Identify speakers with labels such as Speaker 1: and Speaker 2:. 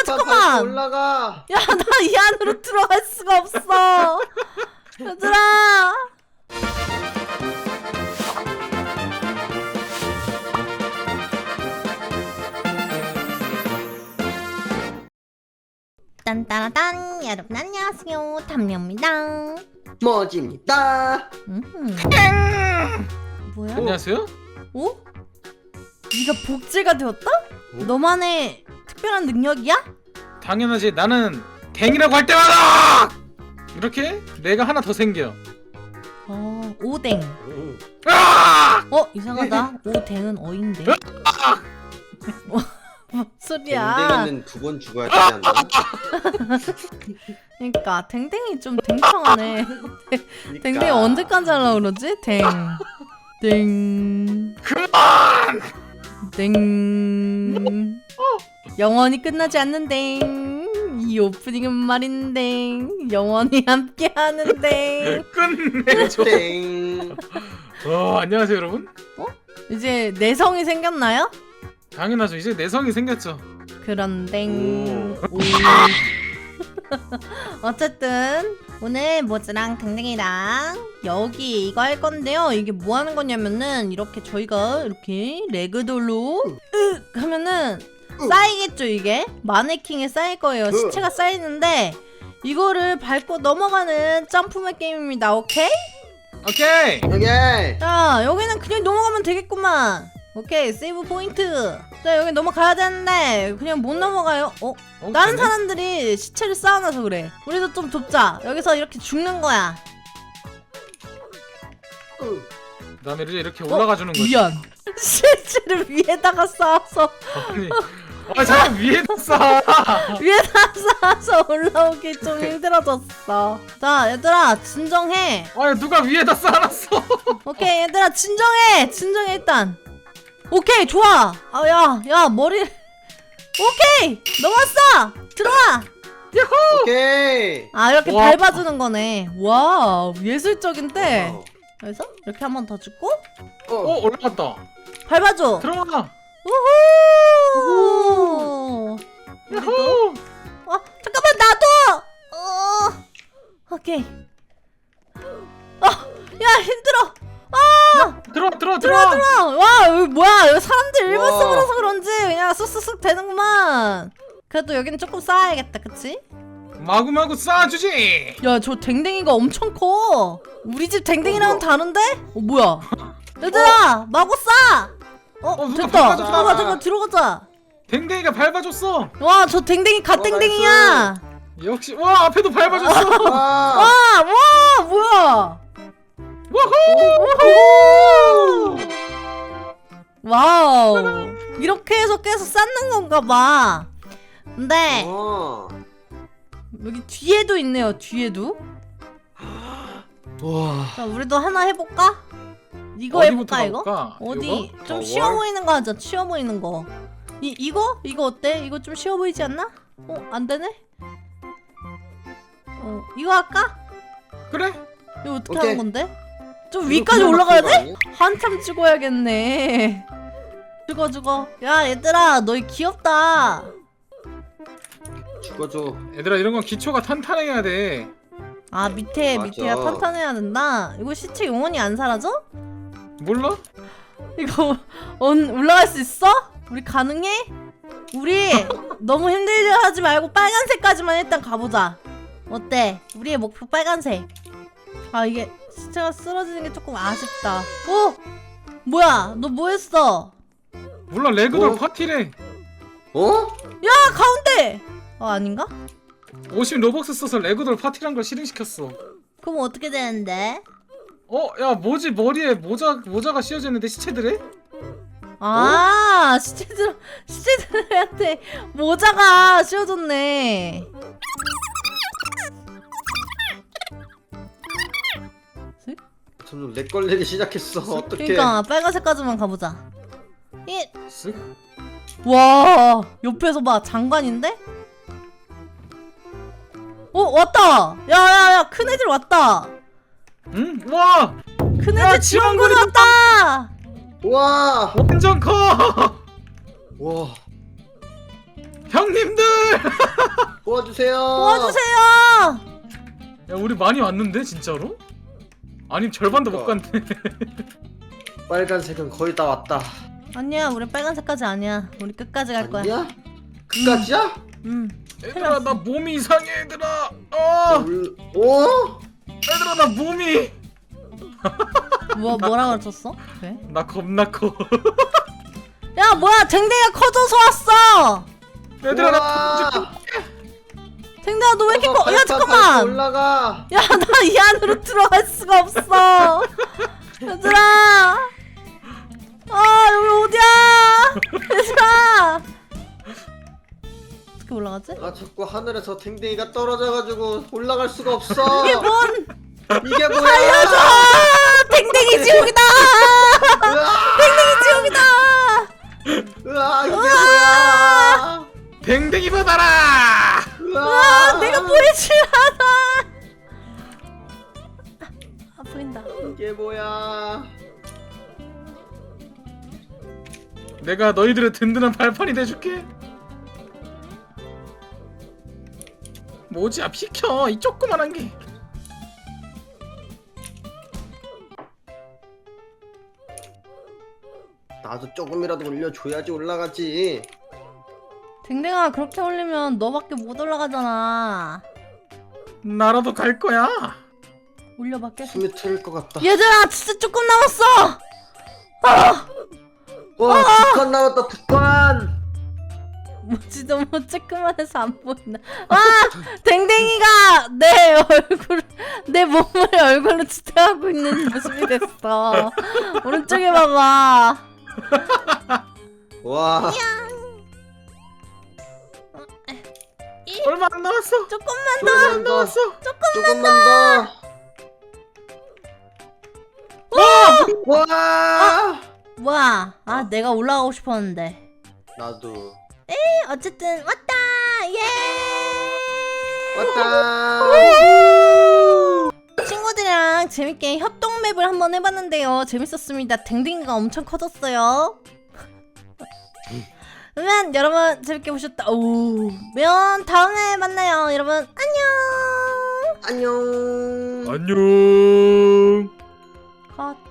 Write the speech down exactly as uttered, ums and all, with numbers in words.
Speaker 1: 잠깐만.
Speaker 2: 올라가.
Speaker 1: 야, 나 이 안으로 들어갈 수가 없어. 얘들아. 딴따라딴, 여러분 안녕하세요, 담요입니다.
Speaker 2: 머지입니다.
Speaker 1: 음. 뭐야?
Speaker 3: 안녕하세요?
Speaker 1: 어? 네가 복제가 되었다? 너만의 특별한 능력이야?
Speaker 3: 당연하지. 나는 댕이라고 할 때마다 이렇게 내가 하나 더 생겨.
Speaker 1: 어, 오뎅.
Speaker 3: 아!
Speaker 1: 어, 이상하다. 오뎅은 어인데. 뭐 소리야?
Speaker 2: 댕댕이는 두 번 죽어야 되지 않나?
Speaker 1: 그러니까 댕댕이 좀 댕청하네.
Speaker 2: 그러니까.
Speaker 1: 댕댕이 언제까지 하려고 그러지? 댕. 댕.
Speaker 3: 그만!
Speaker 1: 댕. 영원히 끝나지 않는 댕. 이 오프닝은 말인데 영원히 함께하는 댕.
Speaker 3: 끝내줘.
Speaker 2: 땡.
Speaker 3: 어, 안녕하세요 여러분.
Speaker 1: 이제 내성이 생겼나요?
Speaker 3: 당연하죠. 이제 내성이 생겼죠.
Speaker 1: 그런 댕.
Speaker 2: 오.
Speaker 1: 오. 어쨌든 오늘 모즈랑 댕댕이랑 여기 이거 할 건데요. 이게 뭐 하는 거냐면은 이렇게 저희가 이렇게 레그돌로 으 하면은 쌓이겠죠. 이게 마네킹에 쌓일 거예요. 시체가 쌓이는데 이거를 밟고 넘어가는 점프맨 게임입니다. 오케이?
Speaker 3: 오케이.
Speaker 2: 오케이.
Speaker 1: 자, 여기는 그냥 넘어가면 되겠구만. 오케이, 세이브 포인트. 자, 여기 넘어가야 되는데 그냥 못 넘어가요. 어?
Speaker 3: 어,
Speaker 1: 다른
Speaker 3: 되네?
Speaker 1: 사람들이 시체를 쌓아놔서 그래. 우리도 좀 돕자. 여기서 이렇게 죽는 거야.
Speaker 3: 그다음에 이제 이렇게 올라가 주는 거지.
Speaker 1: 미안. 시체를 위에다가 쌓아서
Speaker 3: 아니, 아 잠깐 위에다 쌓아.
Speaker 1: 위에다 쌓아서 올라오기 좀 힘들어졌어. 자, 얘들아 진정해.
Speaker 3: 아 누가 위에다 쌓아놨어?
Speaker 1: 오케이, 얘들아 진정해. 진정해 일단. 오케이, 좋아. 아, 야, 야 머리. 오케이, 넘었어. 들어와.
Speaker 3: 야호!
Speaker 2: 오케이.
Speaker 1: 아, 이렇게
Speaker 3: 와.
Speaker 1: 밟아주는 거네. 와, 예술적인데.
Speaker 2: 어.
Speaker 1: 그래서 이렇게 한 번 더 죽고
Speaker 3: 어 올라갔다.
Speaker 1: 밟아줘.
Speaker 3: 들어가.
Speaker 1: 우후.
Speaker 3: 야호!
Speaker 1: 어, 잠깐만 나도. 어, 오케이. 어, 야 힘들어. 아,
Speaker 3: 들어 들어
Speaker 1: 들어와
Speaker 3: 들어.
Speaker 1: 들어와. 와, 여기 뭐야? 여기 사람들 일반
Speaker 2: 와.
Speaker 1: 쓰고라서 그런지 그냥 쑥쑥쑥 되는구만. 그래도 여기는 조금 쌓아야겠다, 그치?
Speaker 3: 마구마구 쌓아주지.
Speaker 1: 야, 저 댕댕이가 엄청 커. 우리 집 댕댕이랑은
Speaker 2: 어,
Speaker 1: 다른데? 어, 뭐야? 얘들아, 마구 싸. 어,
Speaker 3: 어, 누가
Speaker 1: 됐다.
Speaker 3: 밟아줘.
Speaker 1: 들어가, 들어가, 들어가자.
Speaker 3: 댕댕이가 밟아줬어.
Speaker 1: 와, 저 댕댕이
Speaker 2: 어,
Speaker 1: 갓댕댕이야.
Speaker 3: 역시 와 앞에도 밟아줬어.
Speaker 2: 와.
Speaker 1: 와, 와, 뭐야?
Speaker 3: 우후!
Speaker 1: 와우. 이렇게 해서 계속 쌓는 건가 봐. 근데
Speaker 2: 어.
Speaker 1: 여기 뒤에도 있네요. 뒤에도.
Speaker 2: 와.
Speaker 1: 자, 우리도 하나 해볼까? 이거
Speaker 3: 어디부터
Speaker 1: 해볼까 이거?
Speaker 3: 가볼까?
Speaker 1: 어디
Speaker 3: 이거?
Speaker 1: 좀
Speaker 2: 어,
Speaker 1: 쉬워
Speaker 2: 월?
Speaker 1: 보이는 거 하자. 쉬워 보이는 거. 이 이거 이거 어때? 이거 좀 쉬워 보이지 않나? 어, 안 되네. 어, 이거 할까?
Speaker 3: 그래?
Speaker 1: 이거 어떻게
Speaker 2: 오케이.
Speaker 1: 하는 건데? 좀
Speaker 2: 이거
Speaker 1: 위까지
Speaker 2: 그냥
Speaker 1: 올라가야
Speaker 2: 막힌 거
Speaker 1: 돼?
Speaker 2: 아니야?
Speaker 1: 한참 찍어야겠네. 죽어 죽어. 야 얘들아, 너희 귀엽다.
Speaker 2: 죽어줘.
Speaker 3: 얘들아 이런 건 기초가 탄탄해야 돼.
Speaker 1: 아, 밑에
Speaker 2: 맞아.
Speaker 1: 밑에가 탄탄해야 된다. 이거 시체 영원히 안 사라져?
Speaker 3: 몰라?
Speaker 1: 이거 언 올라갈 수 있어? 우리 가능해? 우리 너무 힘들게 하지 말고 빨간색까지만 일단 가보자. 어때? 우리의 목표 빨간색. 아, 이게 시체가 쓰러지는 게 조금 아쉽다. 어? 뭐야? 너 뭐 했어?
Speaker 3: 몰라 레그돌
Speaker 2: 어?
Speaker 3: 파티래.
Speaker 2: 어?
Speaker 1: 야, 가운데! 어, 아닌가?
Speaker 3: 오십 로벅스 써서 레그돌 파티란 걸 실행시켰어.
Speaker 1: 그럼 어떻게 되는데?
Speaker 3: 어? 야 뭐지 머리에 모자, 모자가 씌워져 있는데 시체들에?
Speaker 1: 아, 시체들, 시체들한테 모자가 씌워졌네.
Speaker 2: 점점 렉 걸리기 시작했어. 어떡해.
Speaker 1: 그러니까 빨간색까지만 가보자. 이,
Speaker 3: 쓱.
Speaker 1: 와, 옆에서 봐. 장관인데? 어, 왔다. 야야야, 큰 애들 왔다.
Speaker 3: 응? 와!
Speaker 1: 큰
Speaker 3: 야,
Speaker 1: 애들 지원군이 왔다.
Speaker 2: 와.
Speaker 3: 완전 커!
Speaker 2: 와.
Speaker 3: 형님들!
Speaker 2: 도와주세요.
Speaker 1: 도와주세요.
Speaker 3: 야 우리 많이 왔는데 진짜로? 아니 절반도 못 갔네.
Speaker 2: 빨간색은 거의 다 왔다.
Speaker 1: 아니야, 우리 빨간색까지 아니야. 우리 끝까지 갈 거야.
Speaker 2: 아니야? 그까지야?
Speaker 1: 음.
Speaker 3: 얘들아 나 몸이 이상해 얘들아. 어
Speaker 2: 올- 어?
Speaker 3: 얘들아 나 몸이
Speaker 1: 뭐 뭐라 그랬었어? 왜?
Speaker 3: 나 겁나 커.
Speaker 1: 야, 뭐야? 댕댕이가 커져서 왔어.
Speaker 3: 얘들아 나
Speaker 2: 우와!
Speaker 1: 댕댕아, 너 왜 이렇게
Speaker 2: 어서
Speaker 1: 커? 야,
Speaker 2: 발판
Speaker 1: 잠깐만.
Speaker 2: 밟고 올라가.
Speaker 1: 야, 나 이 안으로 들어갈 수가 없어. 얘들아. 아, 여기 어디야? 얘들아. 어떻게 올라가지?
Speaker 2: 아 자꾸 하늘에서 댕댕이가 떨어져가지고 올라갈 수가 없어.
Speaker 1: 이게 뭔?
Speaker 2: 이게 뭐야?
Speaker 1: 살려줘! 댕댕이 지옥이다!
Speaker 2: 으아!
Speaker 1: 댕댕이 지옥이다!
Speaker 2: 으아 이게
Speaker 1: 으아!
Speaker 2: 뭐야?
Speaker 3: 댕댕이 받아라.
Speaker 2: 으아!
Speaker 1: 아, 내가 보이질 않아! 아, 보인다.
Speaker 2: 이게 뭐야?
Speaker 3: 내가 너희들의 든든한 발판이 돼줄게. 뭐지? 아 비켜 이 조그만한 게.
Speaker 2: 나도 조금이라도 올려줘야지 올라가지.
Speaker 1: 댕댕아, 그렇게 올리면 너밖에 못 올라가잖아.
Speaker 3: 나라도 갈 거야.
Speaker 1: 올려봐, 계속.
Speaker 2: 숨이 트일 것 같다.
Speaker 1: 얘들아, 진짜 조금 남았어! 아!
Speaker 2: 와 북한 나왔다 북한.
Speaker 1: 뭐지, 너무 쬐끄만해서 안 보인다. 와! 댕댕이가 내 얼굴, 내 몸을 얼굴로 지탱하고 있는 모습이 됐어. 오른쪽에 봐봐.
Speaker 2: 와
Speaker 3: 얼마 안 남았어.
Speaker 1: 조금만
Speaker 2: 조금만 더.
Speaker 3: 남았어.
Speaker 2: 조금만 더. 와! 와!
Speaker 1: 뭐야? 아, 내가 올라가고 싶었는데.
Speaker 2: 나도
Speaker 1: 어쨌든 왔다. 예.
Speaker 2: 왔다.
Speaker 1: 친구들이랑 재밌게 협동 맵을 한번 해봤는데요. 재밌었습니다. 댕댕이가 엄청 커졌어요. 그러면 여러분 재밌게 보셨다. 오, 면 다음에 만나요. 여러분 안녕.
Speaker 2: 안녕.
Speaker 3: 안녕.
Speaker 1: 컷.